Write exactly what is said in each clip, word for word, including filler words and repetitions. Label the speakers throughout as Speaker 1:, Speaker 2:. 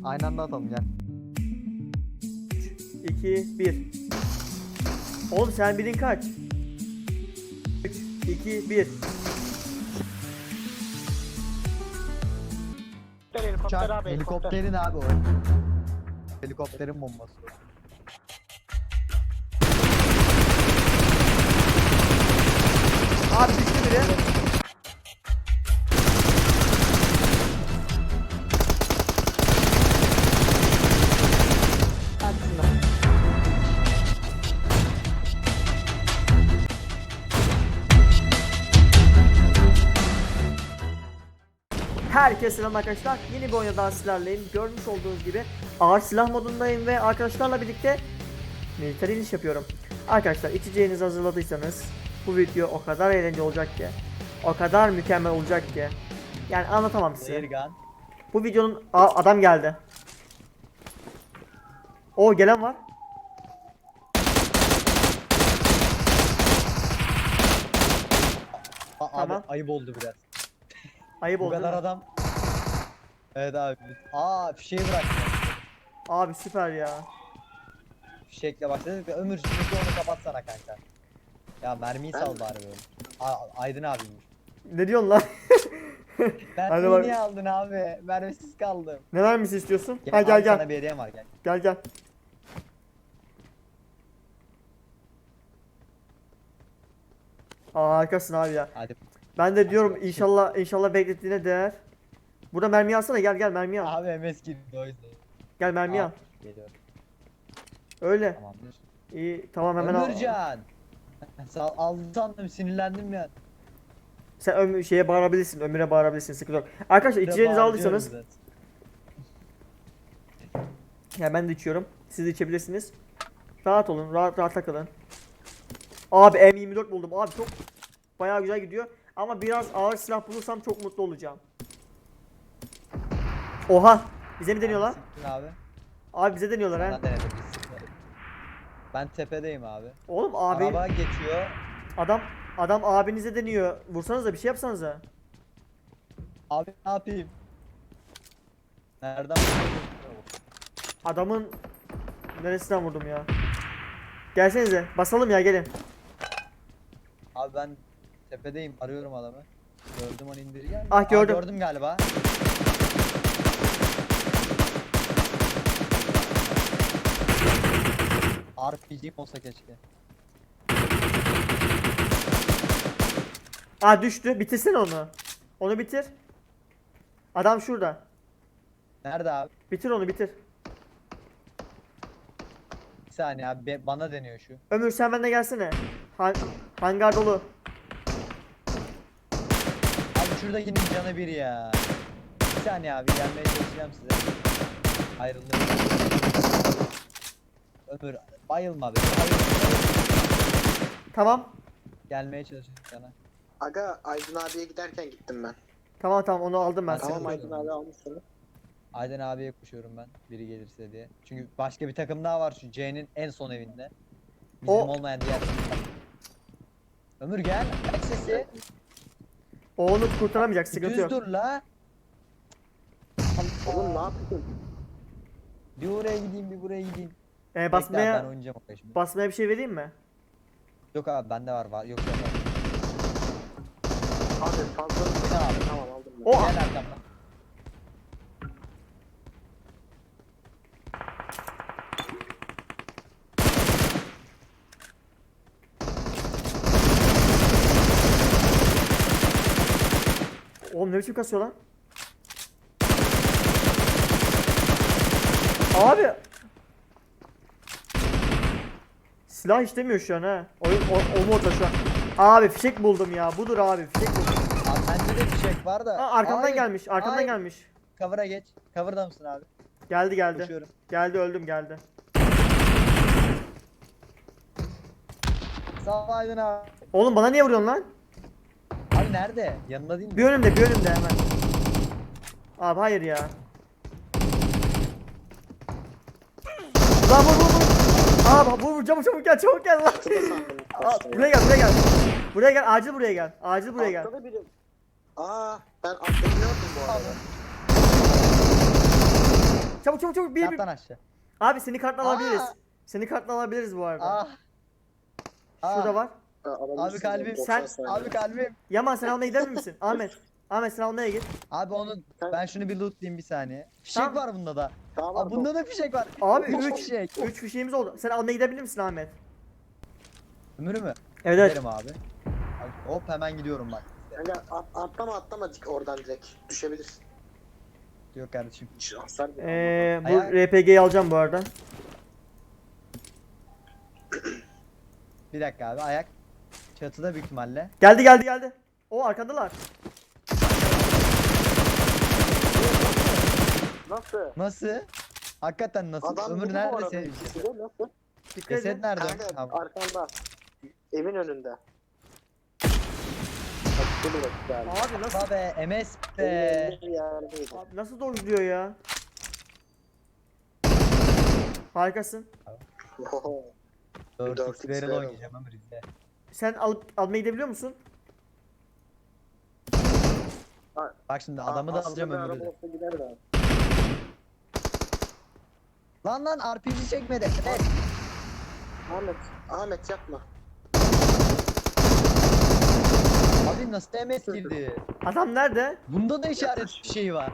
Speaker 1: Aynı anda atalım gel.
Speaker 2: iki, bir. Oğlum sen bilin kaç? üç, iki, bir.
Speaker 3: Helikopter
Speaker 1: Uçak,
Speaker 3: abi, helikopter.
Speaker 1: helikopterin abi o. Helikopterin bombası.
Speaker 2: Abi düştü biri. Herkese selam arkadaşlar. Yeni bir oyunda daha sizlerleyim. Görmüş olduğunuz gibi ağır silah modundayım ve arkadaşlarla birlikte militer iniş yapıyorum. Arkadaşlar içeceğinizi hazırladıysanız bu video o kadar eğlenceli olacak ki, o kadar mükemmel olacak ki, yani anlatamam size.
Speaker 1: Ergan.
Speaker 2: Bu videonun Aa, adam geldi. O gelen var.
Speaker 1: Abi
Speaker 2: Tamam.
Speaker 1: ayıp oldu biraz.
Speaker 2: Ayıp
Speaker 1: Bu
Speaker 2: oldu.
Speaker 1: kadar
Speaker 2: değil mi?
Speaker 1: adam. Evet abi. Aa fişeği bıraktı.
Speaker 2: Abi süper ya.
Speaker 1: Fişekle başladık. Ömür şimdi onu kapatsana kanka. Ya mermiyi sal bari böyle. A- Aydın abiymiş.
Speaker 2: Ne diyorsun lan? Hadi
Speaker 1: Mermiyi
Speaker 2: bak.
Speaker 1: niye aldın abi? Mermisiz kaldım.
Speaker 2: Ne vermesi istiyorsun?
Speaker 1: Gel,
Speaker 2: Ha gel
Speaker 1: abi
Speaker 2: gel.
Speaker 1: Sana bir hediyem var gel.
Speaker 2: Gel gel. Aa harikasın abi ya.
Speaker 1: Hadi.
Speaker 2: Ben de diyorum inşallah inşallah beklettiğine değer. Burada mermi alsana, gel gel mermi al.
Speaker 1: Abi M S girdi o yüzden.
Speaker 2: Gel mermi al.
Speaker 1: Abi, Geliyorum.
Speaker 2: Öyle.
Speaker 1: Tamamdır.
Speaker 2: İyi tamam hemen al.
Speaker 1: Ömürcan. Sağ aldım sandım sinirlendim ya.
Speaker 2: Sen ömür şeye bağırabilirsin, Ömür'e bağırabilirsin, sıkıntı yok. Arkadaşlar içeceğinizi aldıysanız, ya ben de içiyorum. Siz de içebilirsiniz. Rahat olun, rahat rahat takılın. Abi M yirmi dört buldum. Abi çok bayağı güzel gidiyor. Ama biraz ağır silah bulursam çok mutlu olacağım. Oha! Bize mi deniyorlar?
Speaker 1: Siktir abi.
Speaker 2: Abi bize deniyorlar ha.
Speaker 1: Bana denedim, biz siktir. Ben tepedeyim abi.
Speaker 2: Oğlum abi
Speaker 1: Araba geçiyor.
Speaker 2: adam adam abinize deniyor. Vursanıza, bir şey yapsanıza.
Speaker 1: Abi ne yapayım? Nereden vurdun?
Speaker 2: Adamın neresinden vurdum ya? Gelsenize. Basalım ya, gelin.
Speaker 1: Abi ben tepedeyim arıyorum adamı. Gördüm onu indir gel.
Speaker 2: Ah, gördüm.
Speaker 1: Aa, gördüm galiba. R P G'm olsa keşke.
Speaker 2: Aa düştü. Bitirsene onu. Onu bitir. Adam şurada.
Speaker 1: Nerede abi?
Speaker 2: Bitir onu, bitir.
Speaker 1: Bir saniye abi be- bana deniyor şu.
Speaker 2: Ömür sen benimle gelsene. Han hangar dolu.
Speaker 1: Abi şuradakinin canı bir ya. Bir saniye abi gelmeye çalışacağım size. Ayrıldım. Ömür bayılma be. Bayılma.
Speaker 2: Tamam.
Speaker 1: Gelmeye çalışıyorum sana.
Speaker 3: Aga Aydın abiye giderken gittim ben.
Speaker 2: Tamam tamam onu aldım ben.
Speaker 1: Tamam,
Speaker 3: Tamam
Speaker 1: Sıkıntı
Speaker 3: Aydın
Speaker 1: yok.
Speaker 3: abi almış seni.
Speaker 1: Aydın abiye koşuyorum ben. Biri gelirse diye. Çünkü başka bir takım daha var şu C'nin en son evinde. Bizim
Speaker 2: O-
Speaker 1: olmayan diğer takım. Ömür gel. Aç sesi.
Speaker 2: O onu kurtaramayacak,
Speaker 1: Bir
Speaker 2: sıkıntı
Speaker 1: düz
Speaker 2: yok.
Speaker 1: dur la.
Speaker 3: Oğlum ne yapıyorsun?
Speaker 1: Bir oraya gideyim bir buraya gideyim.
Speaker 2: Ee,
Speaker 1: Bekle abi, ben
Speaker 2: basmaya
Speaker 1: oynayacağım oraya şimdi.
Speaker 2: basmaya bir şey vereyim mi?
Speaker 1: Yok abi bende var var. Yok yok. yok.
Speaker 3: Abi fazla
Speaker 1: Tamam.
Speaker 3: tamam aldım ben.
Speaker 2: O
Speaker 1: Gel arkamdan.
Speaker 2: Oğlum ne biçim kasıyor lan? Abi. Silah işlemiyor şu an ha. Oyun o, o modda şu an. Abi fişek buldum ya. Budur abi, fişek buldum.
Speaker 1: Abi bende de fişek var da.
Speaker 2: Aa, arkamdan
Speaker 1: Hayır,
Speaker 2: gelmiş. Arkamdan
Speaker 1: hayır.
Speaker 2: gelmiş.
Speaker 1: Cover'a geç. Cover'da mısın abi?
Speaker 2: Geldi geldi.
Speaker 1: Koşuyorum.
Speaker 2: Geldi, öldüm, geldi.
Speaker 1: Sağ ol Aydın abi.
Speaker 2: Oğlum bana niye vuruyorsun lan?
Speaker 1: Abi nerede? Yanında değil mi?
Speaker 2: Bir önümde, bir önümde hemen. Abi hayır ya. Lan vur vur vur. Abi vur vur, çabuk çabuk gel, çabuk gel lan.
Speaker 3: Kısa sandım.
Speaker 2: Aa, buraya gel, buraya gel. Buraya gel, acil buraya gel. Acil buraya gel.
Speaker 3: Altta da biri. Aa ben atlayabiliyordum bu arada.
Speaker 2: çabuk çabuk çabuk. Bir,
Speaker 1: Yat
Speaker 2: bir.
Speaker 1: lan aşağı.
Speaker 2: Abi seni kartla
Speaker 1: Aa!
Speaker 2: alabiliriz. Seni kartla alabiliriz bu arada.
Speaker 1: Ah.
Speaker 2: Şurada
Speaker 1: Ah.
Speaker 2: var.
Speaker 3: Ha, alabilirsiniz
Speaker 1: Abi kalbim,
Speaker 3: yani, doksan
Speaker 2: sen-
Speaker 3: saniye.
Speaker 1: Abi kalbim.
Speaker 2: Yaman sen almaya gider misin? Ahmet. Ahmet sen almaya git.
Speaker 1: Abi onu ben şunu bir lootlayayım bir saniye. Fişek
Speaker 2: Tamam.
Speaker 1: var bunda da.
Speaker 3: Tamam,
Speaker 1: Abi bunda da fişek var.
Speaker 2: Abi
Speaker 1: Üç
Speaker 2: üç
Speaker 1: fişek.
Speaker 2: üç fişeğimiz oldu. Sen almaya gidebilir misin Ahmet?
Speaker 1: Ömür mü?
Speaker 2: Evet evet.
Speaker 1: Giderim abi. Abi, hop hemen gidiyorum bak.
Speaker 3: Kanka at, atlama atlama dik oradan direkt. Düşebilirsin.
Speaker 1: Yok kardeşim.
Speaker 3: Hiç hasar bile
Speaker 2: Ee, bu
Speaker 1: Ayağı-
Speaker 2: R P G'yi alacağım bu arada.
Speaker 1: Bir dakika abi ayak. Çatıda büyük ihtimalle.
Speaker 2: Geldi geldi geldi. O arkandalar.
Speaker 3: Nasıl?
Speaker 1: Nasıl? Hakikaten nasıl?
Speaker 3: Adam
Speaker 1: Ömür
Speaker 3: vurdu bu
Speaker 1: nerede
Speaker 3: arada
Speaker 1: senin?
Speaker 3: ikisi de, nasıl?
Speaker 2: Dikkat
Speaker 1: Ceset
Speaker 2: edin.
Speaker 1: nerede?
Speaker 3: Kanka
Speaker 1: Tamam.
Speaker 3: arkanda. Evin önünde. Bak şöyle bak yani.
Speaker 2: Abi nasıl
Speaker 1: Abi M S
Speaker 3: Evin
Speaker 1: be.
Speaker 3: önünde bir yerdeydi.
Speaker 2: abi nasıl dojluyor ya? Harikasın.
Speaker 1: dört
Speaker 3: dört
Speaker 1: x
Speaker 3: x
Speaker 1: barrel
Speaker 3: barrel.
Speaker 1: oynayacağım Ömür izle.
Speaker 2: Sen alıp almaya gidebiliyor musun?
Speaker 1: Bak şimdi adamı da
Speaker 3: Aslında
Speaker 1: alacağım
Speaker 3: bir
Speaker 1: Ömür'ü
Speaker 3: araba
Speaker 1: de.
Speaker 3: olsa gider de.
Speaker 1: Lan lan R P G çekmedi. Evet.
Speaker 3: Ahmet, Ahmet yapma.
Speaker 1: Abi nasıl M S girdi?
Speaker 2: Adam nerede?
Speaker 1: Bunda da işaret şeyi var.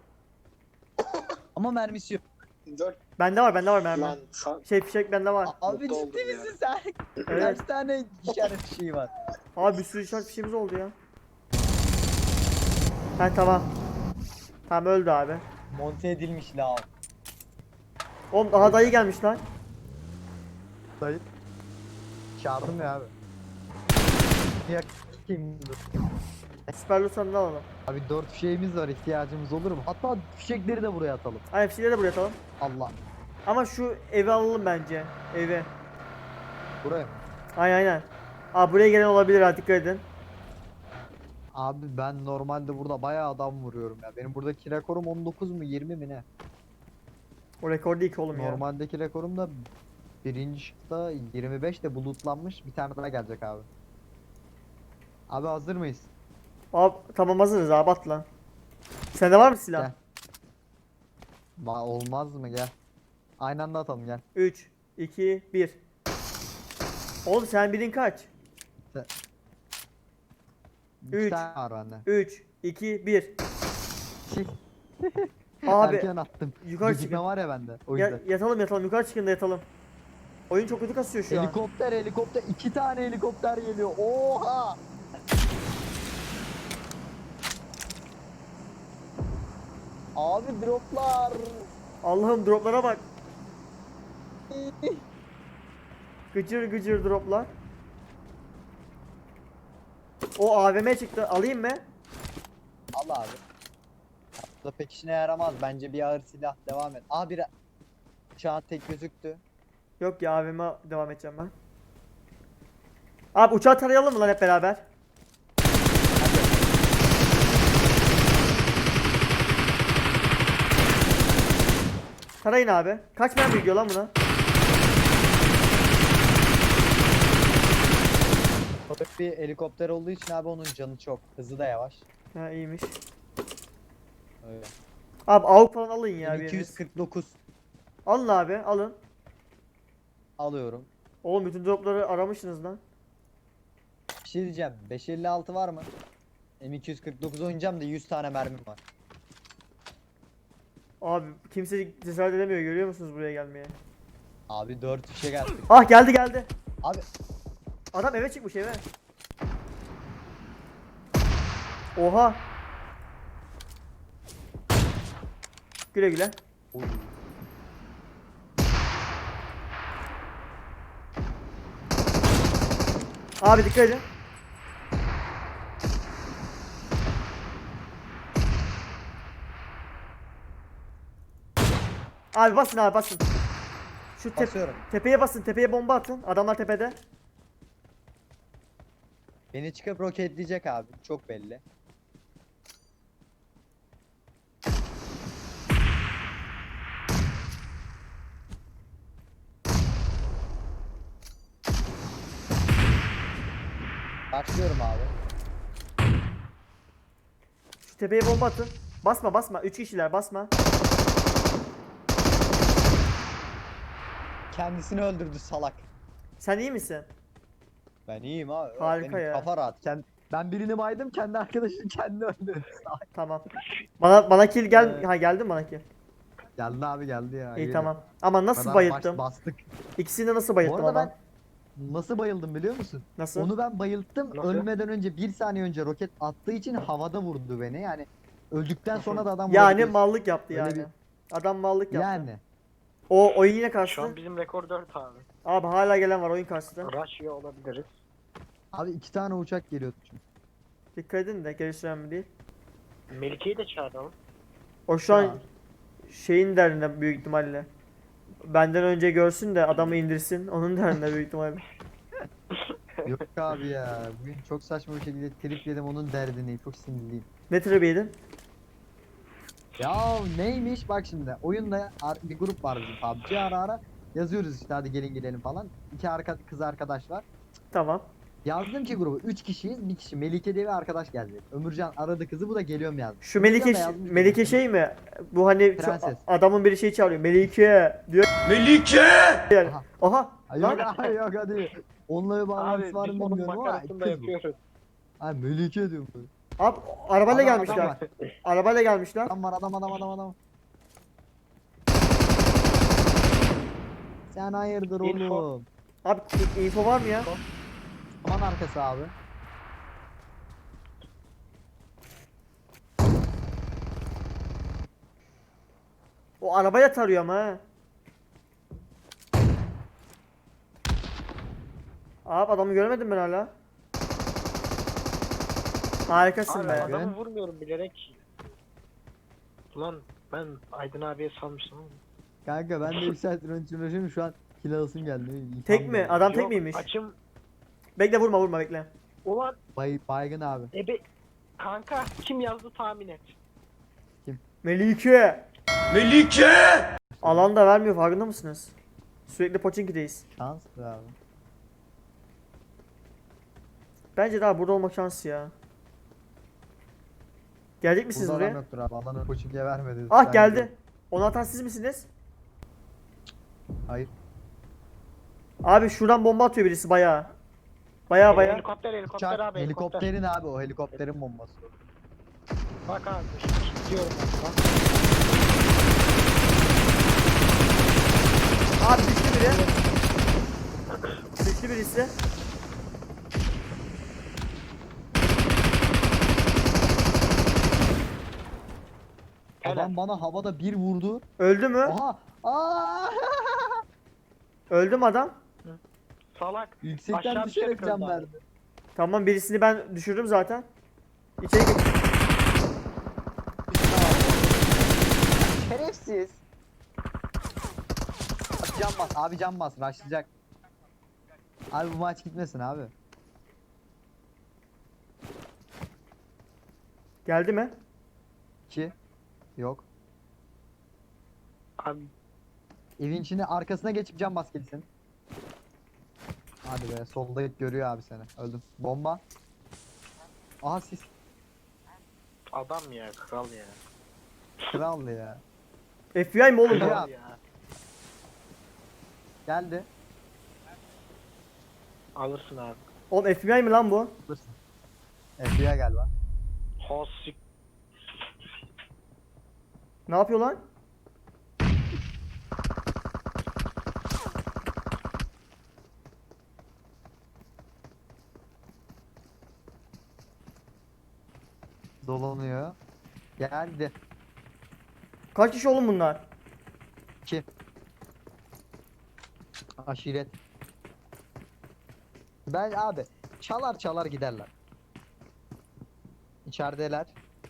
Speaker 1: Ama mermisi yok.
Speaker 3: Dört
Speaker 2: Bende var bende var mermi.
Speaker 3: lan şu
Speaker 2: Şey fişek bende var.
Speaker 1: Abi
Speaker 3: Mutlu oldum
Speaker 1: ciddi
Speaker 3: ya.
Speaker 1: misin sen?
Speaker 2: Evet.
Speaker 1: Kaç tane işaret şeyi var?
Speaker 2: Abi bir sürü işaret fişeğimiz oldu ya. Ha tamam. Tamam öldü abi.
Speaker 1: Monte edilmiş la.
Speaker 2: Oğlum daha dayı gelmiş lan.
Speaker 1: Dayı. Çağırdım ya abi. Ya kim dur.
Speaker 2: Süper Lusan'ı alalım.
Speaker 1: Abi dört fişeğimiz var, ihtiyacımız olur mu? Hatta fişekleri de buraya atalım.
Speaker 2: Ay fişeği de buraya atalım.
Speaker 1: Allah.
Speaker 2: Ama şu evi alalım bence. Evi.
Speaker 1: Buraya.
Speaker 2: Aynen aynen. Abi buraya gelen olabilir ha dikkat edin.
Speaker 1: Abi ben normalde burada bayağı adam vuruyorum ya. Benim buradaki rekorum on dokuz mu yirmi mi ne?
Speaker 2: O rekor değil ki oğlum ya.
Speaker 1: Normaldeki rekorum da birinci şıkta yirmi beş de bulutlanmış. Bir tane daha gelecek abi. Abi hazır mıyız?
Speaker 2: Abi tamam hazırız abi at lan. Sende var mı silah?
Speaker 1: Gel. Va olmaz mı gel. Aynı anda atalım gel.
Speaker 2: üç, iki, bir. Oğlum sen birin kaç?
Speaker 1: İki
Speaker 2: Üç.
Speaker 1: tane var bende.
Speaker 2: üç, iki, bir.
Speaker 1: Şey,
Speaker 2: Abi
Speaker 1: Erken attım.
Speaker 2: yukarı
Speaker 1: Gecikme
Speaker 2: çıkın.
Speaker 1: var ya bende. O
Speaker 2: Ya,
Speaker 1: yüzden.
Speaker 2: yatalım yatalım yukarı çıkın da yatalım. Oyun çok kötü kasıyor şu an.
Speaker 1: Helikopter helikopter iki tane helikopter geliyor. Oha! Abi droplar.
Speaker 2: Allah'ım droplara bak. Gıcır gıcır droplar. O A V M çıktı. Alayım mı?
Speaker 1: Al abi. Bu da pek işine yaramaz. Bence bir ağır silah devam et. Aa bir şu an tek gözüktü.
Speaker 2: Yok ya A V M devam edeceğim ben. Abi uçağı tarayalım mı lan hep beraber? Tarayın abi. Kaç mermi gidiyor lan buna?
Speaker 1: O da bir helikopter olduğu için abi onun canı çok. Hızı da yavaş.
Speaker 2: Ha iyiymiş.
Speaker 1: Öyle.
Speaker 2: Abi avuk falan alın ya biriniz.
Speaker 1: iki yüz kırk dokuz
Speaker 2: Alın abi alın.
Speaker 1: alıyorum.
Speaker 2: Oğlum bütün dropları aramışsınız lan.
Speaker 1: Bir şey diyeceğim. beş elli altı var mı? M iki yüz kırk dokuz oynayacağım da yüz tane mermim var.
Speaker 2: Abi kimse cesaret edemiyor görüyor musunuz buraya gelmeye?
Speaker 1: Abi dört fişe geldik.
Speaker 2: Ah geldi geldi.
Speaker 1: Abi
Speaker 2: Adam eve çıkmış eve. Oha. Güle güle.
Speaker 1: oy.
Speaker 2: Abi dikkat edin. Abi basın abi basın. Şu tep
Speaker 1: Basıyorum.
Speaker 2: tepeye basın tepeye bomba atın. Adamlar tepede.
Speaker 1: Beni çıkıp roketleyecek abi. Çok belli. Başlıyorum abi.
Speaker 2: Şu tepeye bomba atın. Basma basma. Üç kişiler basma.
Speaker 1: kendisini öldürdü salak.
Speaker 2: Sen iyi misin?
Speaker 1: Ben iyiyim abi.
Speaker 2: Harika
Speaker 1: Benim
Speaker 2: ya.
Speaker 1: kafa rahat. Kend- ben birini baydım, kendi arkadaşını kendi öldürdü. Salak.
Speaker 2: Tamam. Bana bana kill gel.
Speaker 1: Ee,
Speaker 2: Ha geldi mi bana kill?
Speaker 1: Geldi abi geldi ya.
Speaker 2: İyi
Speaker 1: yürü.
Speaker 2: tamam. Ama nasıl
Speaker 1: Kadar
Speaker 2: bayılttım?
Speaker 1: baş- bastık.
Speaker 2: İkisini de nasıl
Speaker 1: Bu
Speaker 2: bayılttım
Speaker 1: arada
Speaker 2: ama?
Speaker 1: ben nasıl bayıldım biliyor musun?
Speaker 2: Nasıl?
Speaker 1: Onu ben bayılttım.
Speaker 3: Nasıl?
Speaker 1: Ölmeden önce bir saniye önce roket attığı için havada vurdu beni. Yani öldükten sonra da adam
Speaker 2: Yani
Speaker 1: vurabilir.
Speaker 2: mallık yaptı
Speaker 1: Öyle
Speaker 2: yani.
Speaker 1: bir-
Speaker 2: Adam mallık yaptı.
Speaker 1: Yani.
Speaker 2: O oyun yine
Speaker 4: Şu
Speaker 2: kastı.
Speaker 4: an bizim rekor dört abi.
Speaker 2: Abi hala gelen var oyun kastı.
Speaker 4: Russia olabiliriz.
Speaker 1: Abi iki tane uçak geliyordu çünkü.
Speaker 2: Dikkat edin de gerisi önemli değil.
Speaker 4: Melike'yi de çağıralım.
Speaker 2: O şu an
Speaker 1: Ya.
Speaker 2: şeyin derdinde büyük ihtimalle. Benden önce görsün de adamı indirsin. Onun derdinde büyük ihtimalle.
Speaker 1: Yok abi ya. Bugün çok saçma bir şekilde trip yedim, onun derdini. Çok sinirliyim.
Speaker 2: Ne tribi yedin?
Speaker 1: Ya neymiş bak şimdi. Oyunda ar- bir grup var bizim P U B G, ara ara yazıyoruz işte hadi gelin gidelim falan. İki arka kız arkadaş var.
Speaker 2: Tamam.
Speaker 1: Yazdım ki grubu üç kişiyiz, bir kişi Melike diye bir arkadaş geldi. Ömürcan aradı kızı, bu da geliyorum yazdı.
Speaker 2: Şu
Speaker 1: Ömürcan
Speaker 2: Melike
Speaker 1: da yazmış
Speaker 2: Melike
Speaker 1: bize.
Speaker 2: şey mi? Bu hani çok-
Speaker 1: Prenses.
Speaker 2: adamın biri şey çağırıyor. Melike diyor.
Speaker 5: Melike!
Speaker 2: Yani.
Speaker 1: Aha.
Speaker 2: Aha.
Speaker 1: Ay,
Speaker 2: Lan.
Speaker 1: yok abi yok hadi. Onunla bir bağlantısı
Speaker 4: Abi
Speaker 1: var
Speaker 4: biz
Speaker 1: mı
Speaker 4: onun
Speaker 1: bilmiyorum ama
Speaker 4: makarasını da
Speaker 1: kız bu.
Speaker 4: yapıyoruz.
Speaker 1: Ay Melike diyorum ben.
Speaker 2: Abi arabayla
Speaker 1: Adam-
Speaker 2: gelmişler.
Speaker 1: adam var.
Speaker 2: Arabayla gelmişler.
Speaker 1: Adam var adam adam adam adam. Sen hayırdır
Speaker 4: Info.
Speaker 1: oğlum?
Speaker 2: Abi info var mı ya?
Speaker 1: Aman arkası abi.
Speaker 2: O arabaya tarıyor ama ha. Abi adamı görmedim ben hala. Harikasın
Speaker 4: Abi
Speaker 2: be.
Speaker 1: Ben-
Speaker 4: adamı vurmuyorum bilerek. Ulan ben Aydın abiye salmıştım ama.
Speaker 1: Kanka ben de bir saattir onun için uğraşıyorum, şu an kill alasım geldi. İlham
Speaker 2: Tek mi?
Speaker 1: geldi.
Speaker 2: Adam tek
Speaker 4: Yok,
Speaker 2: miymiş?
Speaker 4: Açım.
Speaker 2: Bekle vurma vurma bekle.
Speaker 4: Ulan
Speaker 1: Bay, baygın abi.
Speaker 4: ebe kanka kim yazdı tahmin et.
Speaker 2: Melike.
Speaker 5: Melike!
Speaker 2: Alan da vermiyor farkında mısınız? Sürekli Pochinki'deyiz.
Speaker 1: Şanstır abi.
Speaker 2: Bence daha burada olmak şansı ya. Gelecek misiniz
Speaker 1: Burada adam
Speaker 2: buraya?
Speaker 1: yoktur abi. Alanı koçinkiye vermedi.
Speaker 2: Ah
Speaker 1: Sen
Speaker 2: geldi.
Speaker 1: gel.
Speaker 2: Onu atan siz misiniz?
Speaker 1: Hayır.
Speaker 2: Abi şuradan bomba atıyor birisi bayağı. Bayağı bayağı.
Speaker 4: Helikopter helikopter
Speaker 1: Uçak,
Speaker 4: abi helikopter.
Speaker 1: helikopterin abi o helikopterin bombası.
Speaker 4: Bak abi gidiyorum ben. Bak.
Speaker 2: Abi düştü biri. Düştü birisi.
Speaker 4: Helal.
Speaker 1: Adam bana havada bir vurdu.
Speaker 2: Öldü mü?
Speaker 1: Aha! Aa!
Speaker 2: Öldü mü adam?
Speaker 4: Salak.
Speaker 1: Yüksekten
Speaker 4: Aşağı
Speaker 1: düşerek
Speaker 4: düşerek
Speaker 1: can
Speaker 4: öldü abi.
Speaker 1: verdi.
Speaker 2: Tamam birisini ben düşürdüm zaten. İçeri gir.
Speaker 1: Şerefsiz. Abi can bas, abi can bas, rushlayacak. Abi bu maç gitmesin abi.
Speaker 2: Geldi mi?
Speaker 1: İki. Yok.
Speaker 4: Abi
Speaker 1: Evin içine arkasına geçip can bas gelsin. Hadi be, solda görüyor abi seni. Öldüm. Bomba. Aha siz
Speaker 4: adam ya kral ya.
Speaker 1: kral ya.
Speaker 2: F B I mi oğlum bu?
Speaker 1: Ya.
Speaker 4: Kral ya.
Speaker 1: Geldi.
Speaker 4: Alırsın abi.
Speaker 2: Oğlum F B I mi lan bu?
Speaker 1: Alırsın. F B I galiba.
Speaker 4: Hosik.
Speaker 2: Ne yapıyor lan?
Speaker 1: Dolanıyor. Geldi.
Speaker 2: Kaç kişi oğlum bunlar?
Speaker 1: İki. Aşiret. Ben abi çalar çalar giderler. İçerideler.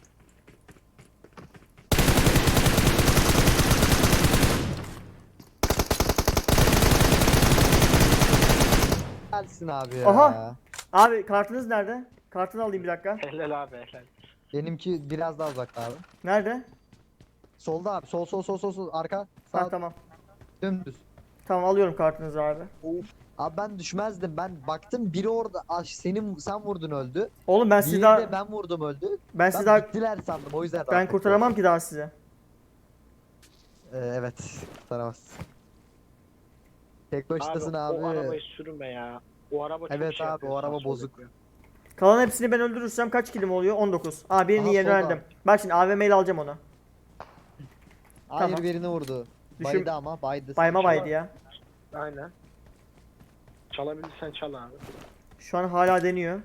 Speaker 1: Gelsin abi ya.
Speaker 2: Aha. Abi kartınız nerede? Kartını alayım bir dakika.
Speaker 4: Helal abi helal.
Speaker 1: Benimki biraz daha uzakta abi.
Speaker 2: Nerede?
Speaker 1: Solda abi. Sol sol sol sol sol arka. Sağ
Speaker 2: Ha tamam.
Speaker 1: dümdüz.
Speaker 2: Tamam alıyorum kartınızı abi.
Speaker 1: Abi ben düşmezdim. Ben baktım biri orada. Ah, senin sen vurdun öldü.
Speaker 2: Oğlum ben
Speaker 1: Diğeri
Speaker 2: sizi
Speaker 1: de
Speaker 2: daha
Speaker 1: ben vurdum öldü.
Speaker 2: ben
Speaker 1: Ben
Speaker 2: sizi daha
Speaker 1: gittiler sandım. O yüzden
Speaker 2: ben kurtaramam ki daha sizi.
Speaker 1: Ee, evet. Kurtaramaz. Tek başınasın abi.
Speaker 4: O arabayı sürme ya. O araba çok
Speaker 1: Evet
Speaker 4: şey
Speaker 1: abi,
Speaker 4: yapıyor,
Speaker 1: o araba
Speaker 4: sağ sol
Speaker 1: bozuk.
Speaker 4: yapıyor.
Speaker 2: Kalan hepsini ben öldürürsem kaç kilim oluyor? on dokuz. Aa birini
Speaker 1: Aha,
Speaker 2: yerini
Speaker 1: solda.
Speaker 2: öğrendim. Bak şimdi A V M ile alacağım onu.
Speaker 1: Hayır,
Speaker 2: Tamam.
Speaker 1: birini vurdu.
Speaker 2: Düşün-
Speaker 1: Baydı ama baydı.
Speaker 2: Bayma
Speaker 4: Çalar.
Speaker 2: baydı ya.
Speaker 4: Aynen. Çalabilirsen çal abi.
Speaker 2: Şu an hala deniyor.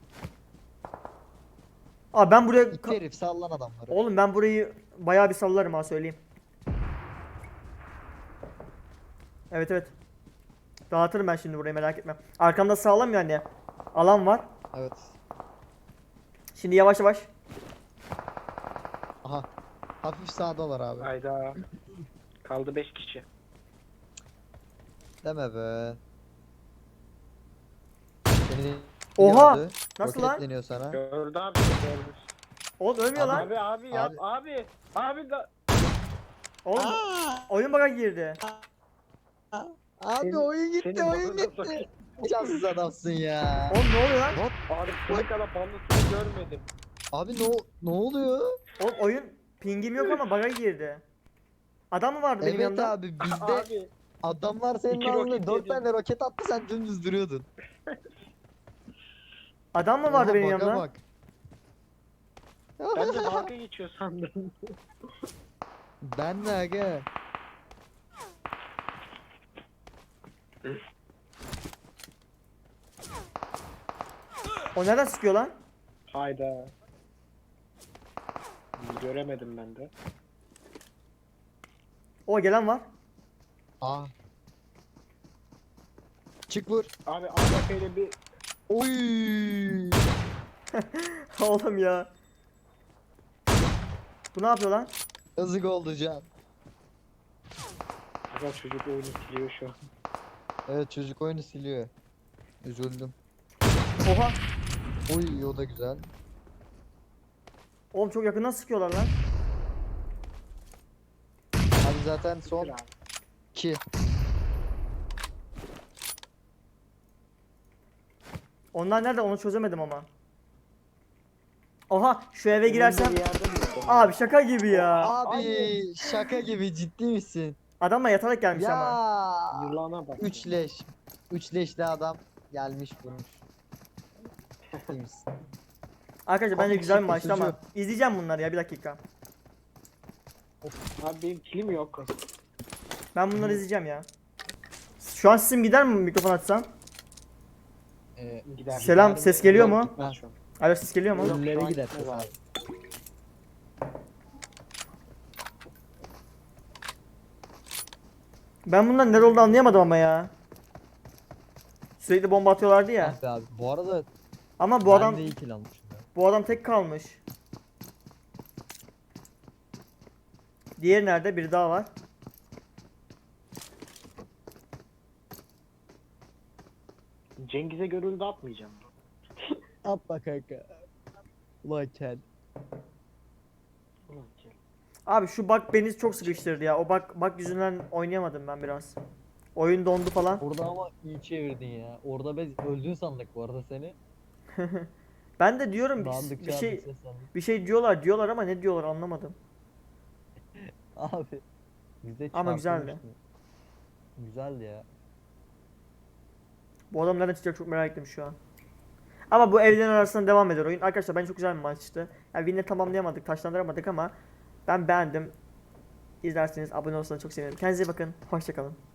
Speaker 2: Aa ben buraya...
Speaker 1: İki herif sallan adamları.
Speaker 2: Oğlum ben burayı bayağı bir sallarım ha söyleyeyim. Evet evet. Dağıtırım ben şimdi burayı, merak etme. Arkamda sağlam yani. Alan var.
Speaker 1: Evet.
Speaker 2: Şimdi yavaş yavaş.
Speaker 1: Aha. Hafif sağdalar abi.
Speaker 4: Hayda. Kaldı beş kişi.
Speaker 1: Deme be. Seni
Speaker 2: Oha!
Speaker 1: gördü.
Speaker 2: Nasıl lan?
Speaker 1: Roketleniyor sana.
Speaker 4: Gördü abi gördü.
Speaker 2: Oğlum ölmüyor lan.
Speaker 4: Abi abi yap
Speaker 1: Abi.
Speaker 4: abi. Abi da.
Speaker 2: Oğlum oyun bug'a girdi.
Speaker 1: Abi
Speaker 4: Senin-
Speaker 1: oyun gitti,
Speaker 4: senin
Speaker 1: oyun
Speaker 4: bana
Speaker 1: gitti.
Speaker 4: bakayım.
Speaker 1: Şanssız adamsın ya.
Speaker 2: Oğlum ne oluyor lan?
Speaker 4: Abi bu kadar banlısını görmedim.
Speaker 1: Abi ne o- ne oluyor?
Speaker 2: Oğlum oyun pingim yok ama bug'a girdi. Adam mı vardı benim
Speaker 1: Evet
Speaker 2: yanımda?
Speaker 1: abi, bizde
Speaker 4: Abi
Speaker 1: adamlar senin
Speaker 4: İki
Speaker 1: ağzına
Speaker 4: roket
Speaker 1: dört
Speaker 4: yedin.
Speaker 1: tane roket attı, sen dümdüz duruyordun.
Speaker 2: Adam mı vardı
Speaker 1: Oha,
Speaker 2: benim
Speaker 1: baka
Speaker 2: yanımda?
Speaker 1: bak.
Speaker 4: ben de dalga geçiyor sandım.
Speaker 1: Ben de aga.
Speaker 2: O nereden sıkıyor lan?
Speaker 4: Hayda. Göremedim ben de.
Speaker 2: O gelen var.
Speaker 1: Aa. Çık vur.
Speaker 4: Abi A W P ile bir
Speaker 1: Oy.
Speaker 2: Oğlum ya. Bu ne yapıyor lan?
Speaker 1: Yazık oldu can.
Speaker 4: Aga çocuk oyunu siliyor şu an.
Speaker 1: Evet, çocuk oyunu siliyor. Üzüldüm.
Speaker 2: Oha.
Speaker 1: Oy, o da güzel.
Speaker 2: Oğlum çok yakından sıkıyorlar lan.
Speaker 1: Abi zaten son
Speaker 4: Bitir abi.
Speaker 1: iki.
Speaker 2: Onlar nerede onu çözemedim ama. Oha şu eve girersem.
Speaker 4: Önünde bir yerde mi yok?
Speaker 2: Abi şaka gibi ya.
Speaker 1: Abi şaka gibi, ciddi misin?
Speaker 2: Adamla yatarak gelmiş ama.
Speaker 1: Ya.
Speaker 4: Yılana bak.
Speaker 1: Üç leş. Üç leşli adam gelmiş vurmuş. Ciddi misin?
Speaker 2: Arkadaşlar bence
Speaker 1: Abi
Speaker 2: güzel bir
Speaker 1: çıktı,
Speaker 2: maçtı ama.
Speaker 1: suçu.
Speaker 2: İzleyeceğim bunları ya bir dakika.
Speaker 4: Abi benim kilim yok.
Speaker 2: Ben bunları izleyeceğim ya. Şu an sesim gider mi mikrofon açsam?
Speaker 1: Ee,
Speaker 4: Gider.
Speaker 2: Selam, ses geliyor mu?
Speaker 4: Gitmez şu an.
Speaker 2: Alo ses geliyor mu?
Speaker 4: Yok.
Speaker 1: Ölülere
Speaker 4: şu an
Speaker 1: gider.
Speaker 4: gitmez abi.
Speaker 2: Ben bundan nerede olduğunu anlayamadım ama ya. Sürekli bomba atıyorlardı ya.
Speaker 1: Ah be abi. Bu arada
Speaker 2: Ama bu
Speaker 1: ben
Speaker 2: adam
Speaker 1: de iyi kill almışım ya.
Speaker 2: bu adam tek kalmış. Diğeri nerede? Biri daha var.
Speaker 4: Cengiz'e görüldü atmayacağım.
Speaker 1: Atla kanka. Ulan kel.
Speaker 4: Ulan ki.
Speaker 2: Abi şu bug beni çok sıkıştırdı ya. O bug, bug yüzünden oynayamadım ben biraz. Oyun dondu falan.
Speaker 1: Orada ama iyi çevirdin ya. Orada biz öldün sandık bu arada seni.
Speaker 2: Ben de diyorum bir,
Speaker 1: Dağıldıkça
Speaker 2: bir şey
Speaker 1: abi ses sandık.
Speaker 2: bir şey diyorlar diyorlar ama ne diyorlar anlamadım.
Speaker 1: Abi. Bize
Speaker 2: Ama güzeldi.
Speaker 1: çarpılmıştı. Güzeldi ya.
Speaker 2: Bu adam nereden çıkacak çok merak ettim şu an. Ama bu evlerin arasında devam eder oyun. Arkadaşlar bence çok güzel bir maçtı. Yani win'le tamamlayamadık, taşlandıramadık ama ben beğendim. İzlerseniz abone olursanız çok sevinirim. Kendinize iyi bakın. Hoşçakalın.